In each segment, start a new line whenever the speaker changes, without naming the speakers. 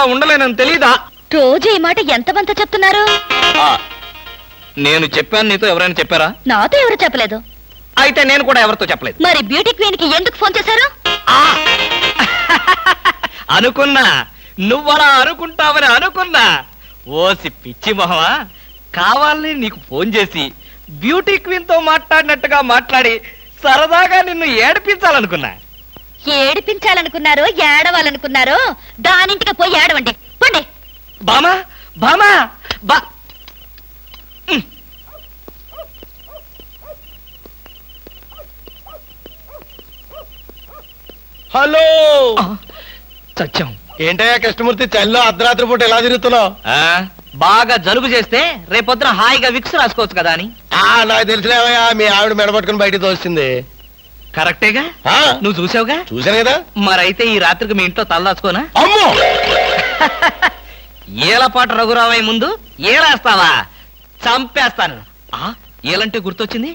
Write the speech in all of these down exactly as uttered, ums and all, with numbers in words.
ఉండలేనని తెలీదా?
రోజు ఈ మాట ఎంతమంత చెప్తున్నారు?
నేను చెప్పాను, నీతో ఎవరైనా చెప్పారా?
నాతో ఎవరు చెప్పలేదు.
అయితే నేను కూడా ఎవరితో చెప్పలేదు.
మరి బ్యూటీ క్వీన్ కి ఎందుకు ఫోన్ చేశారు?
అనుకున్నా నువ్వలా అనుకుంటావని అనుకున్నా. ఓసి పిచ్చి మొహమా, కావాలని నీకు ఫోన్ చేసి బ్యూటీ క్వీన్ తో మాట్లాడినట్టుగా మాట్లాడి సరదాగా నిన్ను ఏడిపించాలనుకున్నా.
ఏడిపించాలనుకున్నారో ఏడవాలనుకున్నారో దానింటికి పోయి ఏడవండి పండి.
బామా బామా బా
హలో,
సత్యం.
ఏంటయ్యా కృష్ణమూర్తి, చల్లో అర్ధరాత్రి పూట ఎలా తిరుగుతున్నావు?
బాగా జలుబు చేస్తే రేపొద్దున హాయిగా విక్స్ రాసుకోవచ్చు కదా అని.
నాకు తెలిసినవయ్యా, మీ ఆవిడ మెడపట్టుకుని బయటికి తోస్తుంది.
కరెక్టేగా, నువ్వు చూసావుగా.
చూశాను కదా.
మరైతే ఈ రాత్రికి మీ ఇంట్లో తలదాచుకోనా?
అమ్మో,
ఏలపాటు రఘురావయ్య ముందు ఏలేస్తావా? చంపేస్తాను. ఏలంటే గుర్తొచ్చింది,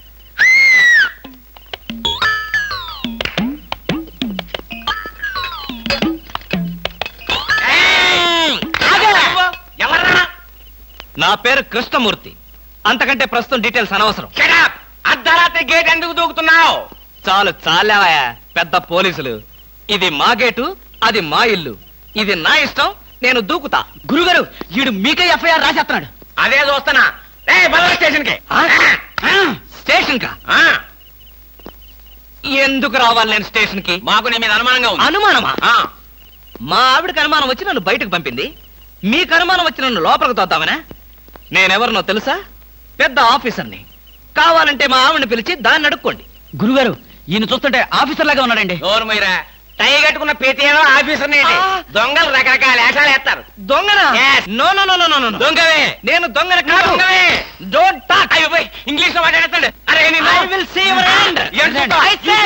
నా పేరు కృష్ణమూర్తి. అంతకంటే ప్రస్తుతం డీటెయిల్స్ అనవసరం.
అర్ధరాత్రి గేట్ ఎందుకు దూకుతున్నావు?
చాలు చాలావయ్యా, పెద్ద పోలీసులు. ఇది మా గేటు, అది మా ఇల్లు. ఇది నా ఇష్టం, నేను దూకుతా.
గురుగారు, వీడు మీకే ఎఫ్ఐఆర్ రాసేస్తున్నాడు. అదే చూస్తున్నా. స్టేషన్ కి
స్టేషన్ కా? ఎందుకు రావాలి నేను స్టేషన్ కి?
మాకు నీ మీద అనుమానంగా ఉంది.
అనుమానమా? మా ఆవిడకి అనుమానం వచ్చి నన్ను బయటకు పంపింది. మీకు అనుమానం వచ్చి నన్ను లోపలికి తోద్దామనా? నేనెవరినో తెలుసా? పెద్ద ఆఫీసర్ని. కావాలంటే మా ఆవిడని పిలిచి దాన్ని అడుక్కోండి.
గురుగారు, ఈయన చూస్తుంటే ఆఫీసర్ లాగా ఉన్నాడండి. నోరు మీరా, టై కట్టుకున్న ప్రతి ఆఫీసర్ దొంగలు రకరకాల వేషాలు వేస్తారు.
దొంగనా? No no no no no
దొంగవే.
నేను దొంగన కాదు. Don't talk.
ఇంగ్లీష్ లో మాట్లాడతాడు. అరే
I will see your hand. I say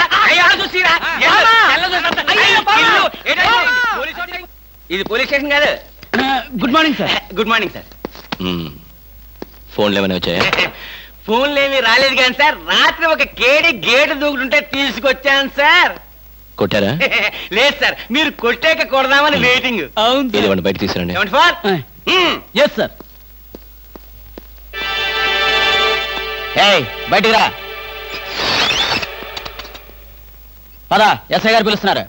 ఇది పోలీస్ స్టేషన్ కాదు. Good morning sir. Good morning sir.
ఫోన్లు ఏమైనా వచ్చాయా?
ఫోన్లు ఏమి రాలేదు కానీ సార్, రాత్రి ఒక కేడి గేటు దూకుంటుంటే తీసుకొచ్చాను సార్.
కొట్టారా?
లేదు సార్, మీరు కొట్టాక కొడదామని వెయిటింగ్.
అవును, బయట తీసుకురండి.
Yes sir. బయటికి రా. పదా, ఎస్ఐ గారు పిలుస్తున్నారు.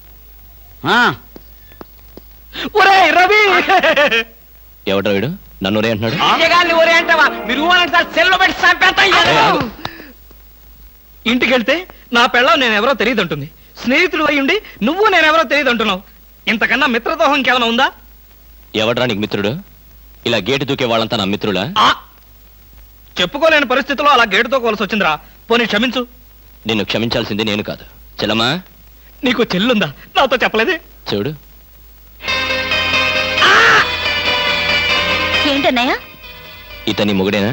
రవి,
ఎవడ్రా వీడు? నన్ను ఒరే అంటున్నాడు.
ఒరే అంటావా? మీరు సార్, సెల్లో పెట్టి చంపేస్తాం.
ఇంటికి వెళ్తే నా పెళ్ళం నేనెవరో తెలియదు అంటుంది. స్నేహితుడు అయ్యుండి నువ్వు నేనెవరో తెలియదు అంటున్నావు. ఇంతకన్నా మిత్రదోహం ఇంకేమైనా ఉందా?
ఎవడ్రా నీకు మిత్రుడు? ఇలా గేటు దూకే వాళ్ళంతా నా మిత్రుడా?
చెప్పుకోలేని పరిస్థితిలో అలా గేటుతో కోల్సి వచ్చిందిరా. పోనీ క్షమించు.
నిన్ను క్షమించాల్సింది నేను కాదు. చెల్లమ్మా,
నీకు చెల్లుందా? నాతో చెప్పలేదే.
చూడు,
ఏంటన్నయ్య?
ఇతని మొగుడేనా?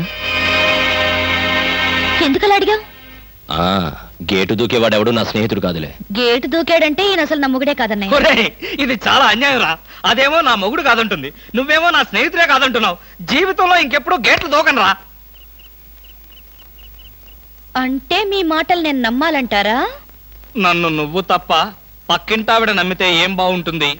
ఎందుకలా అడిగావు?
ఆ గేటు దూకేవాడెవడు నా స్నేహితుడు కాదులే.
గేటు దూకాడంటే ఈయన అసలు నా మొగుడే కాదన్నయ్య.
ఒరేయ్, ఇది చాలా అన్యాయం రా. అదేమో నా మొగుడు కాదంటుంది, నువ్వేమో నా స్నేహితుడే కాదంటున్నావు. జీవితంలో ఇంకెప్పుడు గేట్లు దూకను రా.
అంటే మీ మాటలు నేను నమ్మాలంటారా?
నన్ను నువ్వు తప్ప పక్కింటావిడ నమ్మితే ఏం బాగుంటుంది?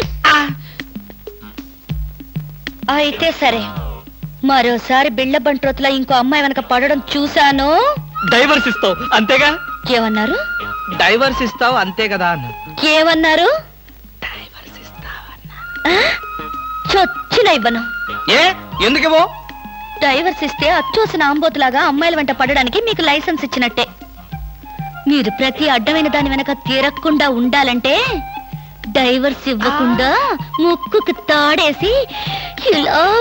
అయితే సరే, మరోసారి బిళ్ళ బంట్రోతులా ఇంకో అమ్మాయి వెనక పడడం చూశాను.
డైవర్స్ ఇస్తావు అంతేగా?
ఏమన్నారు?
డైవర్స్ ఇస్తావు అంతే కదా అన్న.
ఏమన్నారు?
డైవర్స్ ఇస్తావన్నా.
చొచ్చిన ఇవ్వను.
ఏ ఎందుకేమో?
డైవర్స్ ఇస్తే అచ్చోసిన ఆంబోతులాగా అమ్మాయిల వెంట పడడానికి మీకు లైసెన్స్ ఇచ్చినట్టే. మీరు ప్రతి అడ్డమైన దాని వెనక తిరగకుండా ఉండాలంటే డైవర్స్ ఇవ్వకుండా ముక్కుకు తాడేసి ఇలా